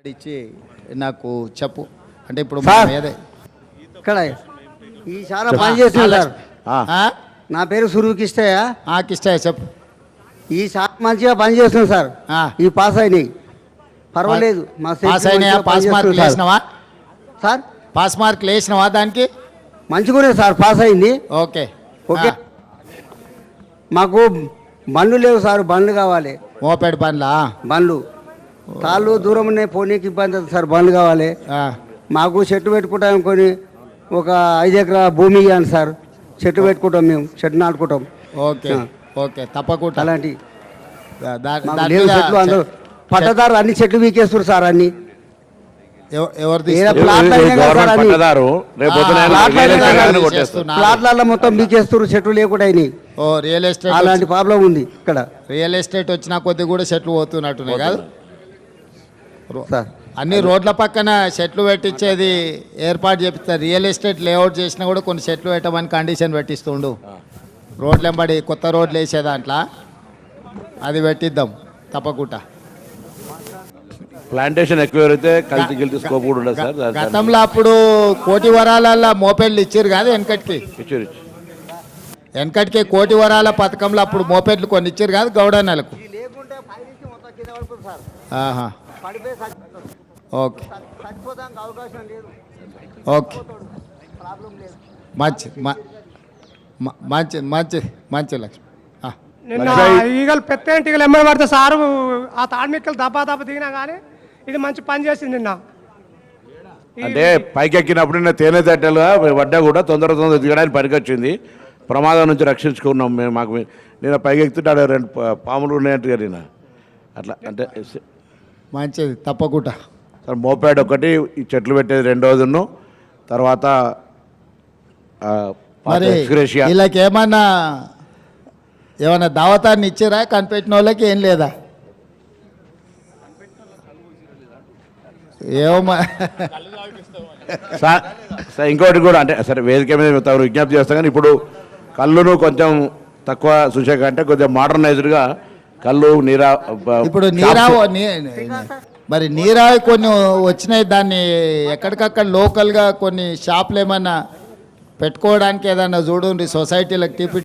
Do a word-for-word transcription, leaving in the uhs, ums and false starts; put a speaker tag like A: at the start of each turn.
A: ఇచ్చి నాకు చెప్పు అంటే ఇప్పుడు
B: సార్,
A: మనం ఏదే
B: ఇక్కడ ఈ చాలా పని చేస్తుంది సార్.
A: ఆ?
B: నా పేరు సురువుకిష్టయ్య.
A: ఆ, కిష్టయ్య చెప్పు.
B: ఈ చాలా మంచిగా పని చేస్తుంది సార్.
A: ఆ.
B: ఈ పాస్ అయినాయి పర్వాలేదు. మా
A: పాస్
B: సెక్యూరిటీ
A: అయినాయా?
B: మంచిగా
A: పాస్
B: పని
A: మార్కులు
B: చేస్తుంది
A: వేసినావా?
B: సార్.
A: పాస్ మార్కులు వేసినావా దానికి?
B: మంచిగానే సార్, పాస్ అయింది.
A: Okay
B: okay.
A: ఆ.
B: మాకు బండ్లు లేవు సార్, బండ్లు కావాలి.
A: మోపెడ్ పనులా?
B: బండ్లు తాళ్ళు దూరం ఉన్నాయి, పోనీకి ఇబ్బంది అవుతుంది సార్. బండ్లు కావాలి
A: ఆ.
B: మాకు. చెట్టు పెట్టుకుంటాం కొని ఒక ఐదు ఎకరా భూమి ఇవ్వండి సార్. చెట్టు పెట్టుకుంటాం, మేము చెట్టు నాటుకుంటాం.
A: ఓకే
B: ఆ.
A: ఓకే తప్పకుండా.
B: అలాంటి
A: దా- దా-
B: మాకు
A: దాని
B: లేవు
A: మీద
B: చెట్లు. అందరూ
A: చె-
B: పట్టదారు అన్ని చెట్లు వీకేస్తారు సార్. అన్ని
A: ఎవ- ఎవరు
B: ఏదో
A: తీస్తారు?
B: ప్లాట్లు అయినాయి కదా సార్,
C: గవర్నమెంట్
B: అన్ని
C: పట్టదారు రేపు పొద్దున
A: ఆ,
B: ప్లాట్లు
C: వేరే
B: అయినాయి
C: జనాన్ని
B: కదా.
C: కొట్టేస్తారు.
A: చేస్తున్నారు.
B: ప్లాట్లలో మొత్తం వీకేస్తారు, చెట్లు లేకుండా అయినాయి.
A: ఓ రియల్ ఎస్టేట్
B: అలాంటి ప్రాబ్లం ఉంది ఇక్కడ
A: రియల్ ఎస్టేట్ వచ్చిన కొద్ది కూడా చెట్లు పోతున్నట్టున్నాయి కాదు? రో-
B: సార్.
A: అన్ని రోడ్ల పక్కన చెట్లు పెట్టించేది ఏర్పాటు చేపిస్తారు. రియల్ ఎస్టేట్ లేఅవుట్ చేసినా కూడా కొన్ని చెట్లు పెట్టమని కండిషన్ పెట్టిస్తుండు. రోడ్లు వెంబడి కొత్త రోడ్లు వేసే దాంట్లో అది పెట్టిద్దాం తప్పకుండా.
C: ప్లాంటేషన్ ఎక్కువ అయితే కలిసి గెలిచి స్కోప్ కూడా ఉండదు సార్. దాని-
A: గతంలో అప్పుడు కోటి వరాలల్లో మోపెడ్లు ఇచ్చారు కాదు వెనకటికి.
C: ఇచ్చారు, ఇచ్చారు.
A: వెనకటికి కోటి వరాల పథకంలో అప్పుడు మోపెడ్లు కొన్ని ఇచ్చారు కాదు గౌడన్నలకు. ఆహా. ఓకే ఓకే మంచి మ- మ- మంచి మంచి మంచి లక్ష్మి. ఆ.
D: నిన్న ఈగలు పెద్ద ఈగలు ఎమ్మడి పడితే సారు ఆ తాడ్మిక్కలు దబ్బా దబ్బ దిగినా కానీ ఇది మంచి పని చేసింది నిన్న.
C: అంటే పైకి ఎక్కినప్పుడు నిన్న తేనె తట్టెలుగా పడ్డా కూడా తొందర తొందర దిగడానికి పనికొచ్చింది. ప్రమాదం నుంచి రక్షించుకున్నాం మేము. మాకు నేను పైకి ఎక్కుతుంటే ఆడ రెండు పా- పాములు ఉన్నాయంటగా నేను అట్లా. అంటే
A: మంచిది తప్పకుండా.
C: సార్ మోపాడ్ ఒకటి, ఈ చెట్లు పెట్టేది రెండోదిను, తర్వాత ఆ, పాత
A: మరి
C: ఎక్స్గ్రేషియా.
A: వీళ్ళకి ఏమన్నా ఏమన్నా దావతాన్ని ఇచ్చారా? కనిపెట్టిన వాళ్ళకి ఏం లేదా? ఏమో
C: సార్ సార్ ఇంకోటి కూడా అంటే సరే వేదిక మీద తమరు విజ్ఞప్తి చేస్తాం కానీ ఇప్పుడు కళ్ళును కొంచెం తక్కువ చూసే కంటే కొంచెం మోడర్నైజ్డ్గా కళ్ళు నీరా
A: ఇప్పుడు నీరావు నీ- మరి నీరావి కొన్ని వచ్చినాయి. దాన్ని ఎక్కడికక్కడ లోకల్గా కొన్ని షాపులు ఏమన్నా పెట్టుకోవడానికి ఏదన్నా చూడండి సొసైటీలకు టిపి